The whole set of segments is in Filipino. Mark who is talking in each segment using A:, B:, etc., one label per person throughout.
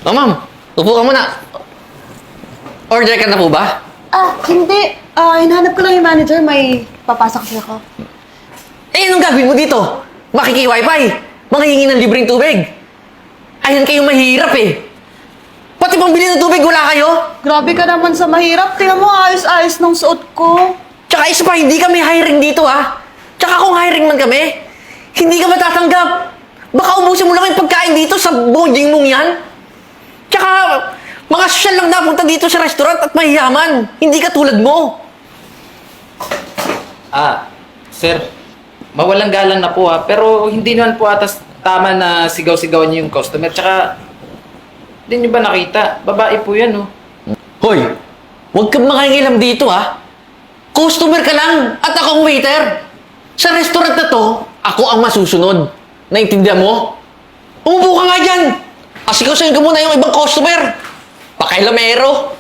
A: Oh, ma'am. Upo ka muna. Order ka na po ba?
B: Hindi. Hinahanap ko lang yung manager. May papasok kasi ako.
A: Eh, anong gagawin mo dito? Makiki-wifi. Manghihingi ng libreng tubig. Ayan kayo mahirap eh. Pati pambili ng tubig, wala kayo?
B: Grabe ka naman sa mahirap. Tingnan mo, ayos-ayos ng suot ko.
A: Tsaka isa pa, hindi kami hiring dito ha. Tsaka kung hiring man kami, hindi ka matatanggap. Baka ubusin mo lang yung pagkain dito sa bonding mong yan. Tsaka, mga sosyal lang napunta dito sa restaurant at mahiyaman. Hindi ka tulad mo.
C: Sir, mawalang galang na po ha, pero hindi naman po atas tama na sigaw-sigawan niyo yung customer. Tsaka, hindi niyo ba nakita? Babae po yan, oh.
A: Hoy, huwag kang makangilam dito ha. Customer ka lang at ako ang waiter. Sa restaurant na to, ako ang masusunod. Naintindihan mo? Umupo ka nga dyan. Asikasayin ko muna yung ibang customer. Pakailamero.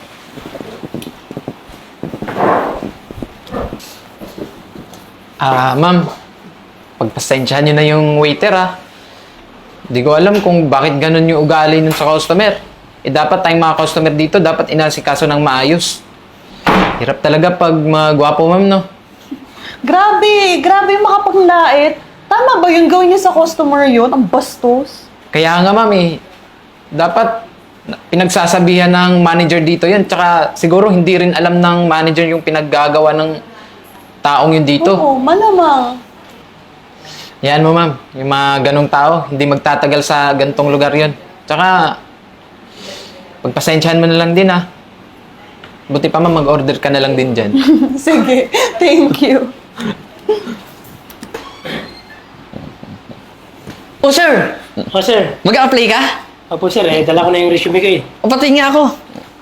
C: Ma'am, pagpasensyahan niyo na yung waiter, ha. Hindi ko alam kung bakit ganun yung ugali nun sa customer. Dapat tayong mga customer dito, dapat inasikaso ng maayos. Hirap talaga pag mga gwapo, ma'am, no?
B: Grabe makapanglait. Tama ba yung gawin niyo sa customer yun? Ang bastos.
C: Kaya nga, ma'am, dapat pinagsasabihan ng manager dito yun. Tsaka siguro hindi rin alam ng manager yung pinaggagawa ng taong yun dito.
B: Oo, malamang.
C: Yan mo, ma'am. Yung mga ganong tao, hindi magtatagal sa gantong lugar yun. Tsaka, pagpasensyahan mo na lang din, ha. Buti pa, ma'am, mag-order ka na lang din dyan.
B: Sige, thank you.
A: Oh, sir.
D: Oh, sir.
A: Mag-a-apply ka?
D: Opo, sir. Dala ko na yung resume ko eh.
A: O, pati nga ako.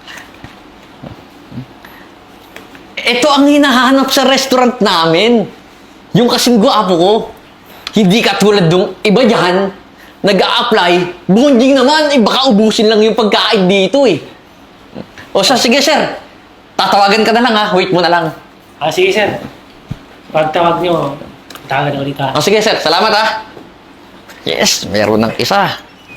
A: Ito ang hinahanap sa restaurant namin. Yung kasing gwapo ko. Hindi katulad nung iba dyan, nag-a-apply, bonding naman, baka ubusin lang yung pagkain dito eh. O siya, sige sir, tatawagan ka na lang ha, wait mo na lang.
D: Sige, sir. Pagtawag nyo, tawagan ako dito.
A: O sige sir, salamat ha. Yes, meron ng isa.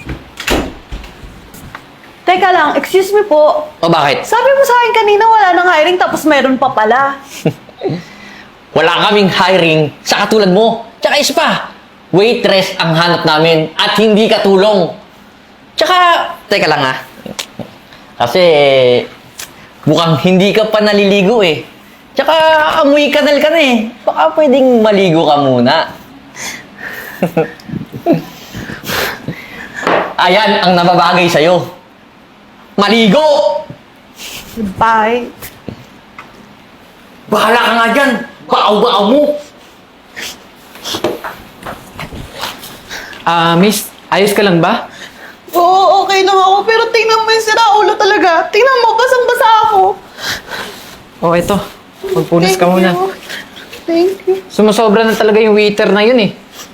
B: Teka lang, excuse me po.
A: O bakit?
B: Sabi mo sa akin kanina wala nang hiring tapos meron pa pala.
A: Wala kaming hiring sa katulad mo. Tsaka isa pa, waitress ang hanap namin at hindi katulong. Tsaka, teka lang ha. Kasi, mukhang hindi ka pa naliligo eh. Tsaka, amoy kanal ka na eh. Baka pwedeng maligo ka muna. Ayan ang nababagay sa'yo. Maligo!
B: Bye.
A: Bahala ka nga dyan. Baaw-baaw mo.
C: Miss, ayos ka lang ba?
B: Oo, okay lang ako. Pero tingnan mo yung siraulo talaga. Tingnan mo, basang-basa ako.
C: Ito. Magpunas ka muna.
B: Thank you.
C: Sumusobra na talaga yung waiter na yun eh.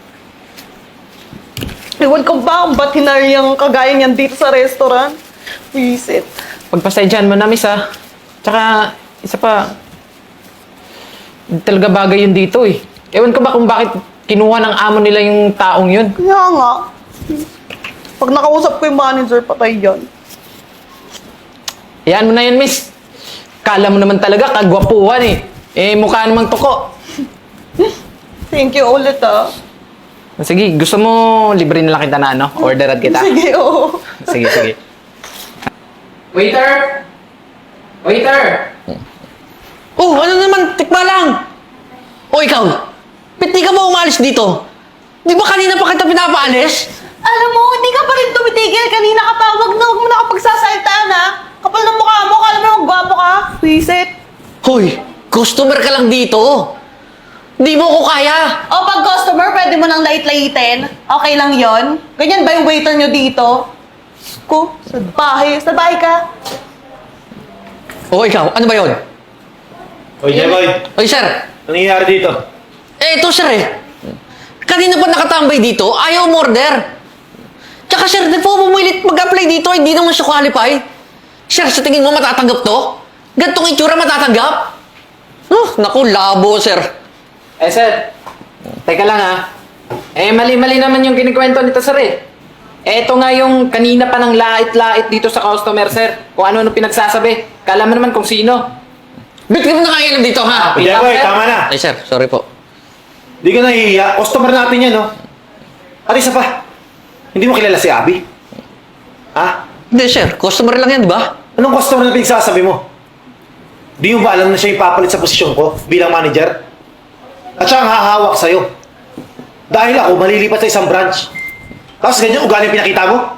B: Ewan ko ba kung ba't hinari yung kagaya niyan dito sa restaurant? Visit.
C: Pagpasensyahan mo na, miss, ha. Tsaka, isa pa, hindi talaga bagay yun dito eh. Ewan ko ba kung bakit kinuha ng amo nila yung taong yun.
B: Kaya nga. Pag nakausap ko yung manager, patay yan.
C: Yan mo na yun, miss. Kala mo naman talaga, kagwapuhan eh. Mukha namang tuko.
B: Thank you ulit ah.
C: Sige, gusto mo libre na lang kita na ano? Orderan kita.
B: Sige, oo.
C: Sige. Waiter! Waiter!
A: Oh, ano naman? Tikma lang. O ikaw, ba't di ka ba umalis dito? Di ba kanina pa kita pinapaalis?
B: Alam mo, hindi ka pa rin tumitigil. Kanina ka pa. Wag mo na ako pagsasaltaan ha. Kapal ng mukha mo. Kala mo magwapo ka. Visit.
A: Hoy, customer ka lang dito. Di mo ko kaya.
B: O pag customer, pwede mo nang lait-laitin. Okay lang yon. Ganyan ba yung waiter nyo dito? Ko, sa bahay. Sa bahay ka.
A: O ikaw, ano ba yun?
D: Oy, Jeboy.
A: Oy, sir.
D: Ano nangyayari dito?
A: Ito, sir eh. Kanina pa nakatambay dito, ayaw umorder. Tsaka, sir, di po pumilit mag-apply dito, hindi naman siya qualify. Sir, sa tingin mo matatanggap to? Gantong itsura matatanggap? Naku, labo, sir.
C: Sir. Teka lang ha. Mali-mali naman yung kinikwento nito, sir eh. Eto nga yung kanina pa ng lait-lait dito sa customer, sir. Kung ano-ano pinagsasabi. Kala mo naman kung sino.
A: Ba't ka mo nakailan dito, ha?
C: Wait lang,
E: Jeboy,
C: sir.
E: tama na.
A: Ay, sir, sorry po.
E: Di ka nahihiya. Customer natin yan, no? At isa pa, hindi mo kilala si Abby? Ha?
A: Hindi, sir. Customer lang yan, di ba?
E: Anong customer na pinagsasabi mo? Di mo ba alam na siya yung papalit sa posisyon ko bilang manager? At siya ang hahawak sa'yo. Dahil ako malilipat sa isang branch. Tapos ganyan ugali ang pinakita mo?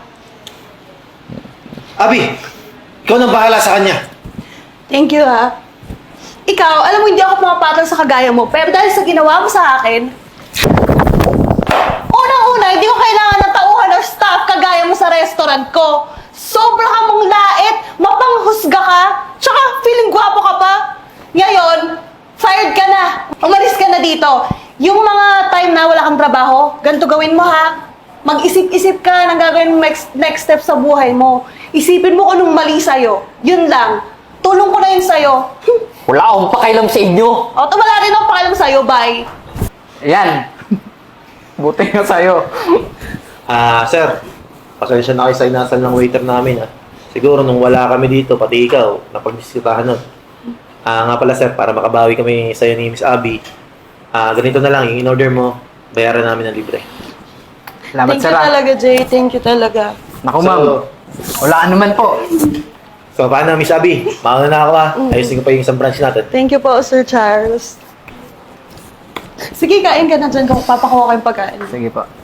E: Abby, ikaw nang bahala sa kanya.
B: Thank you, ha. Ikaw, alam mo, hindi ako pumapatol sa kagaya mo, pero dahil sa ginawa mo sa akin, unang-una, hindi ko kailangan ng tauhan or staff kagaya mo sa restaurant ko. Sobra ka mong lait, mapanghusga ka, tsaka feeling gwapo ka pa. Ngayon, fired ka na. Umalis ka na dito. Yung mga time na wala kang trabaho, ganito gawin mo, ha. Mag-isip-isip ka ng gagawin mo next step sa buhay mo. Isipin mo kung anong mali sa'yo. Yun lang. Tulong ko na yun sa'yo.
A: Wala akong pakailam sa inyo.
B: O, wala rin akong pakialam sa'yo. Bye.
C: Ayan. Buti nga sa'yo.
E: Sir, pasensya na kayo sa inasal ng waiter namin, ha. Siguro nung wala kami dito, pati ikaw, napagdisitahan nun. Nga pala, sir, para makabawi kami sa'yo ni Miss Abby, ganito na lang, yung in-order mo, bayaran namin ng libre.
C: Salamat,
B: Thank
C: sir.
B: you
C: ah.
B: talaga, Jay. Thank you talaga.
C: Naku, ma'am. Wala naman po.
E: So, paano, Miss Abby? Mauna na ako, ha. Ayusin ko pa yung isang branch natin.
B: Thank you po, Sir Charles. Sige, kain ka na dyan. Papakuha ko yung pagkain.
C: Sige po.